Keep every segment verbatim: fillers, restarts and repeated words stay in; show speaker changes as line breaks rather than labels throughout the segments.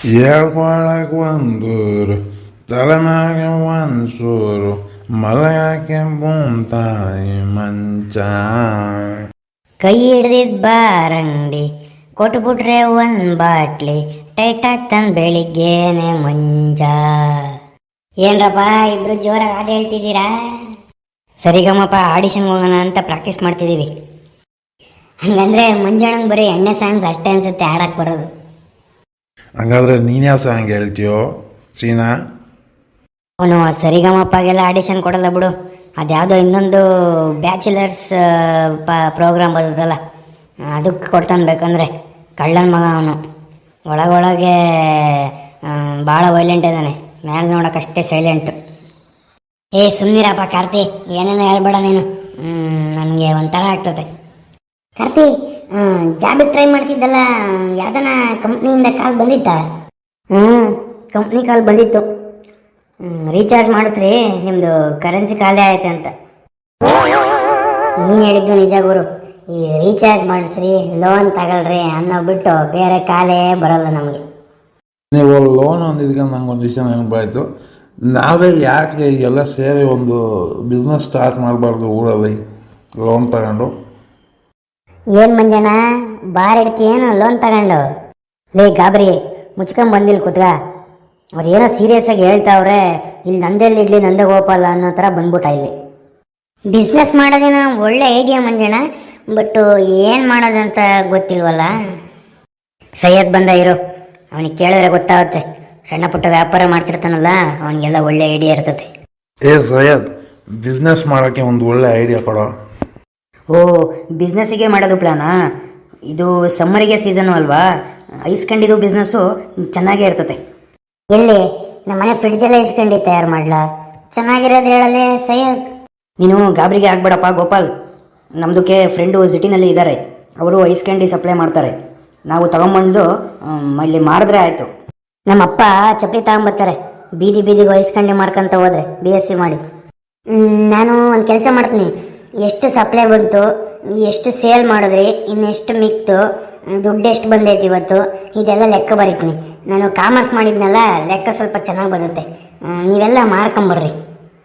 ಹೇಳ್ಕೊಳಕ್ ಒಂದೂರು ತಲೆಮ್ಯಾಗ ಒಂದ್ಸೂರು ಮಲಗಾಕೆ ಬೂಮ್ತಾಯಿ ಮಂಚ.
ಕೈ ಹಿಡ್ದಿದ್ ಬಾರಂಗಡಿ ಕೊಟ್ಬಿಟ್ರೆ ಒಂದ್ ಬಾಟ್ಲಿ ಟೈಟ್ ಆಗ್ತಾನ ಬೆಳಿಗ್ಗೆನೆ ಮುಂಜ. ಏನ್ರಪ್ಪ ಇಬ್ರು ಜೋರಾಗಿ ಹಾಡು ಹೇಳ್ತಿದ್ದೀರಾ? ಸರಿಗಮ್ಮಪ್ಪ ಆಡಿಷನ್ಗೆ ಹೋಗೋಣ ಅಂತ ಪ್ರಾಕ್ಟೀಸ್ ಮಾಡ್ತಿದ್ದೀವಿ. ಹಂಗಂದ್ರೆ ಮುಂಜಾನೆ ಬರೀ ಎಣ್ಣೆ ಸಾಂಗ್ಸ್ ಅಷ್ಟೇ ಅನ್ಸುತ್ತೆ ಹಾಡಕ್ಕೆ ಬರೋದು.
ಹಂಗಾದ್ರೆ ನೀನ್ಯಾವ ಸಾಂಗ್ ಹೇಳ್ತೀಯೋ ಸೀನಾ?
ಅವನು ಸರಿಗಮಪ್ಪಗೆಲ್ಲ ಆಡಿಷನ್ ಕೊಡಲ್ಲ ಬಿಡು. ಅದ್ಯಾವುದೋ ಇನ್ನೊಂದು ಬ್ಯಾಚುಲರ್ಸ್ ಪ ಪ್ರೋಗ್ರಾಮ್ ಬರ್ತದಲ್ಲ ಅದಕ್ಕೆ ಕೊಡ್ತಾನೆ. ಬೇಕಂದರೆ ಕಳ್ಳನ ಮಗ ಅವನು. ಒಳಗೊಳಗೆ ಭಾಳ ವೈಲೆಂಟ್ ಇದ್ದಾನೆ, ಮೇಲೆ ನೋಡೋಕ್ಕಷ್ಟೇ ಸೈಲೆಂಟು. ಏ ಸುಮ್ಮನಿರಪ್ಪ ಕಾರ್ತಿ, ಏನೇನೋ ಹೇಳ್ಬೇಡ ನೀನು, ನನಗೆ ಒಂಥರ ಆಗ್ತದೆ. ಕಾರ್ತಿ, ಜಾಬಿಗೆ ಟ್ರೈ ಮಾಡ್ತಿದ್ದಲ್ಲ, ಯಾವ್ದನ ಕಂಪ್ನಿಯಿಂದ ಕಾಲ್ ಬಂದಿತ್ತಾ? ಹ್ಞೂ ಕಂಪ್ನಿ ಕಾಲ್ ಬಂದಿತ್ತು. ರೀಚಾರ್ಜ್ ಮಾಡಿಸ್ರಿ, ನಿಮ್ಮದು ಕರೆನ್ಸಿ ಖಾಲಿ ಆಯ್ತು ಅಂತ. ನೀನು ಹೇಳಿದ್ದು ನಿಜ ಗುರು. ಈ ರೀಚಾರ್ಜ್ ಮಾಡಿಸ್ರಿ, ಲೋನ್ ತಗೊಳ್ರಿ ಅನ್ನೋ ಬಿಟ್ಟು ಬೇರೆ ಕಾಲೇ ಬರೋಲ್ಲ ನಮಗೆ.
ನೀವು ಲೋನ್ ಅಂದಿದ್ಕೊಂಡು ನಂಗೊಂದು ವಿಷಯ ನೆನಪಾಯಿತು. ನಾವೇ ಯಾಕೆ ಎಲ್ಲ ಸೇರಿ ಒಂದು ಬಿಸ್ನೆಸ್ ಸ್ಟಾರ್ಟ್ ಮಾಡಬಾರ್ದು ಊರಲ್ಲಿ ಲೋನ್ ತಗೊಂಡು?
ಏನು ಮಂಜಣ್ಣ ಬಾರ್ ಇಡ್ತೀಯೇನು ಲೋನ್ ತಗೊಂಡು? ಲೇ ಗಾಬರಿ, ಮುಚ್ಕೊಂಡ್ ಬಂದಿಲ್ಲ ಕೂತ್ಗ. ಅವ್ರು ಏನೋ ಸೀರಿಯಸ್ ಆಗಿ ಹೇಳ್ತಾವ್ರೆ, ಇಲ್ಲಿ ನಂದೆಲ್ಲಿ ಇಡ್ಲಿ ನಂದೇ ಗೋಪಾಲ ಅನ್ನೋ ಥರ ಬಂದ್ಬಿಟ್ಟ ಇಲ್ಲಿ. ಬಿಸ್ನೆಸ್ ಮಾಡೋದೇನೋ ಒಳ್ಳೆ ಐಡಿಯಾ ಮಂಜಣ್ಣ, ಬಟ್ ಏನು ಮಾಡೋದಂತ ಗೊತ್ತಿಲ್ವಲ್ಲ. ಸೈಯದ್ ಬಂದ ಇರು, ಅವನಿಗೆ ಕೇಳಿದ್ರೆ ಗೊತ್ತಾಗುತ್ತೆ. ಸಣ್ಣ ಪುಟ್ಟ ವ್ಯಾಪಾರ ಮಾಡ್ತಿರ್ತಾನಲ್ಲ, ಅವನಿಗೆಲ್ಲ ಒಳ್ಳೆ ಐಡಿಯಾ ಇರ್ತದೆ.
ಏ ಸೈಯದ್, ಬಿಸ್ನೆಸ್ ಮಾಡೋಕ್ಕೆ ಒಂದು ಒಳ್ಳೆ ಐಡಿಯಾ ಕೊಡೋ.
ಓ, ಬಿಸ್ನೆಸ್ಸಿಗೆ ಮಾಡೋದು ಪ್ಲಾನಾ? ಇದು ಸಮ್ಮರಿಗೆ ಸೀಸನು ಅಲ್ವಾ, ಐಸ್ಕೊಂಡಿದ್ದು ಬಿಸ್ನೆಸ್ಸು ಚೆನ್ನಾಗೇ ಇರ್ತದೆ. ಎಲ್ಲಿ ನಮ್ಮ ಮನೆ ಫ್ರಿಡ್ಜೆಲ್ಲ ಐಸ್ಕಂಡು ತಯಾರು ಮಾಡ್ಲಾ? ಚೆನ್ನಾಗಿರೋದು ಹೇಳಲೇ ಸೈಯದ್. ನೀನು ಗಾಬರಿಗೆ ಆಗ್ಬೇಡಪ್ಪ ಗೋಪಾಲ್. ನಮ್ಮದಕ್ಕೆ ಫ್ರೆಂಡು ಸಿಟಿನಲ್ಲಿ ಇದ್ದಾರೆ, ಅವರು ಐಸ್ಕಂಡಿ ಸಪ್ಲೈ ಮಾಡ್ತಾರೆ. ನಾವು ತಗೊಂಬಂದು ಇಲ್ಲಿ ಮಾರಿದ್ರೆ ಆಯಿತು. ನಮ್ಮಪ್ಪ ಚಪ್ಪಲಿ ತಗೊಂಬರ್ತಾರೆ, ಬೀದಿ ಬೀದಿಗೆ ಐಸ್ಕಂಡಿ ಮಾರ್ಕೊಂತ ಹೋದ್ರೆ ಬಿ ಎಸ್ ಸಿ ಮಾಡಿ. ನಾನು ಒಂದು ಕೆಲಸ ಮಾಡ್ತೀನಿ, ಎಷ್ಟು ಸಪ್ಲೈ ಬಂತು, ಎಷ್ಟು ಸೇಲ್ ಮಾಡಿದ್ರಿ, ಇನ್ನೆಷ್ಟು ಮಿಕ್ತು, ದುಡ್ಡು ಎಷ್ಟು ಬಂದೈತಿ ಇವತ್ತು, ಇದೆಲ್ಲ ಲೆಕ್ಕ ಬರೀತೀನಿ. ನಾನು ಕಾಮರ್ಸ್ ಮಾಡಿದ್ನಲ್ಲ, ಲೆಕ್ಕ ಸ್ವಲ್ಪ ಚೆನ್ನಾಗಿ ಬರುತ್ತೆ. ನೀವೆಲ್ಲ ಮಾರ್ಕೊಂಬರ್ರಿ.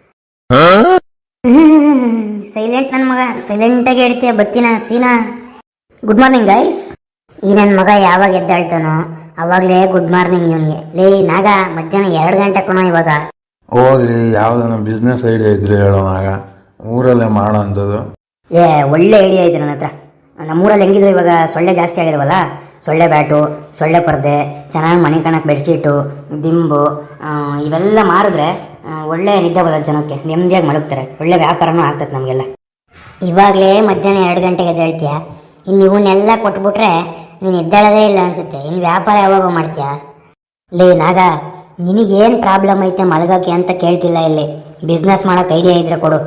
ಸೈಲೆಂಟ್ ನನ್ನ ಮಗ, ಸೈಲೆಂಟಾಗಿ ಹೇಳ್ತೀಯ. ಬತ್ತಿನ ಸೀನಾ. Good morning guys. ಈ ನನ್ನ ಮಗ ಯಾವಾಗ ಎದ್ದಾಳ್ತಾನೋ ಅವಾಗಲೇ ಗುಡ್ ಮಾರ್ನಿಂಗ್ ಇವನಿಗೆ. ಲೇ ನಾಗ, ಮಧ್ಯಾಹ್ನ ಎರಡು ಗಂಟೆ ಕೊನೋ ಇವಾಗ.
ಹೋಗ್ಲಿ, ಯಾವುದನ್ನ ಬಿಸ್ನೆಸ್ ಐಡಿಯಾ ಇದ್ರೆ ಹೇಳೋನಾಗ, ಊರಲ್ಲೇ ಮಾಡೋ ಅಂಥದ್ದು.
ಏ ಒಳ್ಳೆ ಐಡಿಯಾ ಐತೆ ನನ್ನ ಹತ್ರ. ನಮ್ಮೂರಲ್ಲಿ ಹೆಂಗಿದ್ರು ಇವಾಗ ಸೊಳ್ಳೆ ಜಾಸ್ತಿ ಆಗಿದಾವಲ್ಲ, ಸೊಳ್ಳೆ ಬ್ಯಾಟು, ಸೊಳ್ಳೆ ಪರ್ದೆ, ಚೆನ್ನಾಗಿ ಮನೆ ಕಾಣಕ್ಕೆ ಬೆಡ್ಶೀಟು, ದಿಂಬು, ಇವೆಲ್ಲ ಮಾರಿದ್ರೆ ಒಳ್ಳೆ ನಿದ್ದೆ ಬರೋದು, ಜನಕ್ಕೆ ನೆಮ್ಮದಿಯಾಗಿ ಮಲಗ್ತಾರೆ. ಒಳ್ಳೆ ವ್ಯಾಪಾರನೂ ಆಗ್ತದೆ ನಮಗೆಲ್ಲ. ಇವಾಗಲೇ ಮಧ್ಯಾಹ್ನ ಎರಡು ಗಂಟೆಗೆ ಎದ್ದೇಳ್ತೀಯ, ಇನ್ನು ಇವನ್ನೆಲ್ಲ ಕೊಟ್ಬಿಟ್ರೆ ನೀನು ಎದ್ದೇಳೋದೇ ಇಲ್ಲ ಅನಿಸುತ್ತೆ. ಇನ್ನು ವ್ಯಾಪಾರ ಯಾವಾಗ ಮಾಡ್ತೀಯಾ? ಲೇ ನಾಗ, ನಿನಗೇನು ಪ್ರಾಬ್ಲಮ್ ಐತೆ ಮಲಗೋಕ್ಕೆ ಅಂತ ಕೇಳ್ತಿಲ್ಲ. ಇಲ್ಲಿ ಬಿಸ್ನೆಸ್ ಮಾಡೋಕೆ ಐಡಿಯಾ ಇದ್ರೆ ಕೊಡು.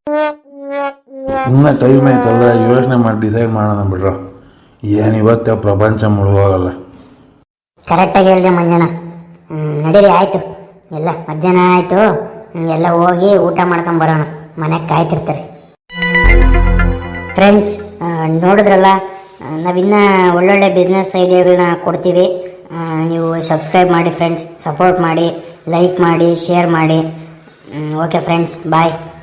ಇನ್ನೂ ಟೈಮ್ ಐತಲ್ಲ, ಯೋಚನೆ ಮಾಡಿ ಡಿಸೈಡ್ ಮಾಡೋಣ ಬಿಡ್ರ. ಏನು ಇವತ್ತೇ ಪ್ರಪಂಚ ಮುಳುಗೋಗಲ್ಲ.
ಕರೆಕ್ಟಾಗಿ ಹೇಳಿದೆ ಮಂಜಣ್ಣ. ನಡೀರಿ, ಆಯಿತು. ಎಲ್ಲ ಮಧ್ಯಾಹ್ನ ಆಯಿತು, ಎಲ್ಲ ಹೋಗಿ ಊಟ ಮಾಡ್ಕೊಂಡು ಬರೋಣ, ಮನೆಗೆ ಕಾಯ್ತಿರ್ತಾರೆ. ಫ್ರೆಂಡ್ಸ್, ನೋಡಿದ್ರಲ್ಲ, ನಾವಿನ್ನೂ ಒಳ್ಳೊಳ್ಳೆ ಬಿಸ್ನೆಸ್ ಐಡಿಯಾಗಳನ್ನ ಕೊಡ್ತೀವಿ. ನೀವು ಸಬ್ಸ್ಕ್ರೈಬ್ ಮಾಡಿ ಫ್ರೆಂಡ್ಸ್, ಸಪೋರ್ಟ್ ಮಾಡಿ, ಲೈಕ್ ಮಾಡಿ, ಶೇರ್ ಮಾಡಿ. ಓಕೆ ಫ್ರೆಂಡ್ಸ್, ಬಾಯ್.